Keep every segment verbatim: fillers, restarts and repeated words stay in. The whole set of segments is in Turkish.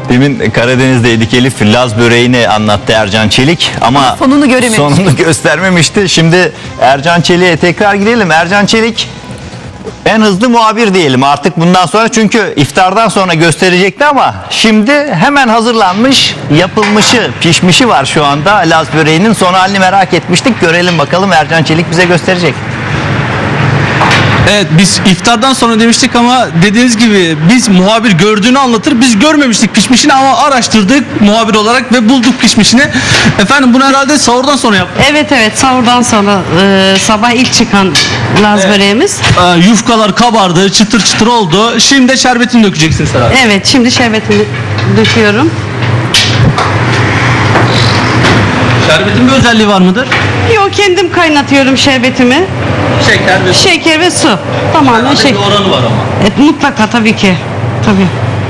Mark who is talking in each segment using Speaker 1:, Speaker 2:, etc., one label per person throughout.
Speaker 1: Demin Karadeniz'deydik Elif, Laz böreğini anlattı Ercan Çelik ama
Speaker 2: sonunu görememiştik.
Speaker 1: sonunu göstermemişti. Şimdi Ercan Çelik'e tekrar gidelim. Ercan Çelik en hızlı muhabir diyelim artık bundan sonra, çünkü iftardan sonra gösterecekti ama şimdi hemen hazırlanmış, yapılmışı, pişmişi var şu anda Laz böreğinin. Son halini merak etmiştik. Görelim bakalım, Ercan Çelik bize gösterecek.
Speaker 3: Evet, biz iftardan sonra demiştik ama dediğiniz gibi biz muhabir gördüğünü anlatır. Biz görmemiştik pişmişini ama araştırdık muhabir olarak ve bulduk pişmişini. Efendim bunu herhalde sahurdan sonra yaptık.
Speaker 4: Evet evet sahurdan sonra e, sabah ilk çıkan Laz
Speaker 3: Evet.
Speaker 4: böreğimiz.
Speaker 3: Ee, yufkalar kabardı, çıtır çıtır oldu. Şimdi de şerbetini dökeceksiniz herhalde.
Speaker 4: Evet şimdi şerbetini döküyorum.
Speaker 3: Şerbetin bir özelliği var mıdır?
Speaker 4: Yok kendim kaynatıyorum şerbetimi.
Speaker 3: Şeker ve su.
Speaker 4: Şeker ve su. Tamamen
Speaker 3: Herhalde
Speaker 4: şeker.
Speaker 3: bir oranı var ama.
Speaker 4: Evet, mutlaka tabii ki. Tabii.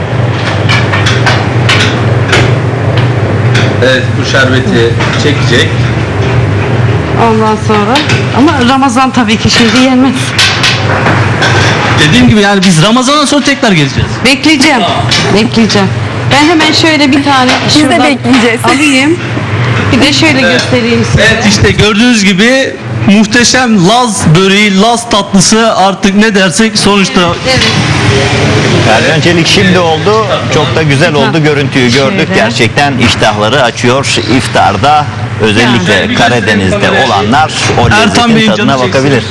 Speaker 3: Evet, bu şerbeti çekecek.
Speaker 4: Ondan sonra ama Ramazan tabii ki şimdi yenmez.
Speaker 3: Dediğim gibi yani biz Ramazan'dan sonra tekrar geleceğiz.
Speaker 4: Bekleyeceğim. Bekleyeceğim. Ben hemen şöyle bir tane
Speaker 2: Biz de
Speaker 4: şuradan
Speaker 2: bekleyeceğiz.
Speaker 4: alayım. Bir de şöyle göstereyim size.
Speaker 3: Evet, işte gördüğünüz gibi muhteşem Laz böreği, Laz tatlısı, artık ne dersek sonuçta.
Speaker 4: Evet.
Speaker 1: Ercan Çelik şimdi oldu. Çok da güzel oldu. Görüntüyü gördük.
Speaker 4: Şöyle.
Speaker 1: Gerçekten iştahları açıyor. İftarda özellikle
Speaker 3: Yani.
Speaker 1: Karadeniz'de olanlar o
Speaker 3: Ertan
Speaker 1: lezzetin
Speaker 3: Bey'in
Speaker 1: tadına
Speaker 3: canı
Speaker 1: bakabilir.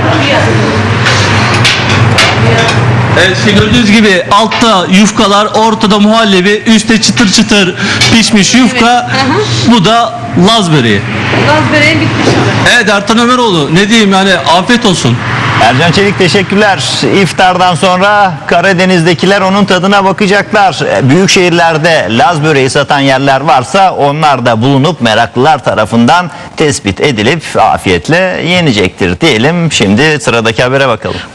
Speaker 3: Evet, işte gördüğünüz gibi altta yufkalar, ortada muhallebi, üstte çıtır çıtır pişmiş yufka.
Speaker 4: Evet.
Speaker 3: Bu da Laz böreği.
Speaker 4: Laz böreği bitmiş.
Speaker 3: Evet Ertan Ömeroğlu, ne diyeyim yani, afiyet olsun.
Speaker 1: Ercan Çelik teşekkürler. İftardan sonra Karadeniz'dekiler onun tadına bakacaklar. Büyük şehirlerde Laz böreği satan yerler varsa onlar da bulunup meraklılar tarafından tespit edilip afiyetle yenecektir diyelim. Şimdi sıradaki habere bakalım.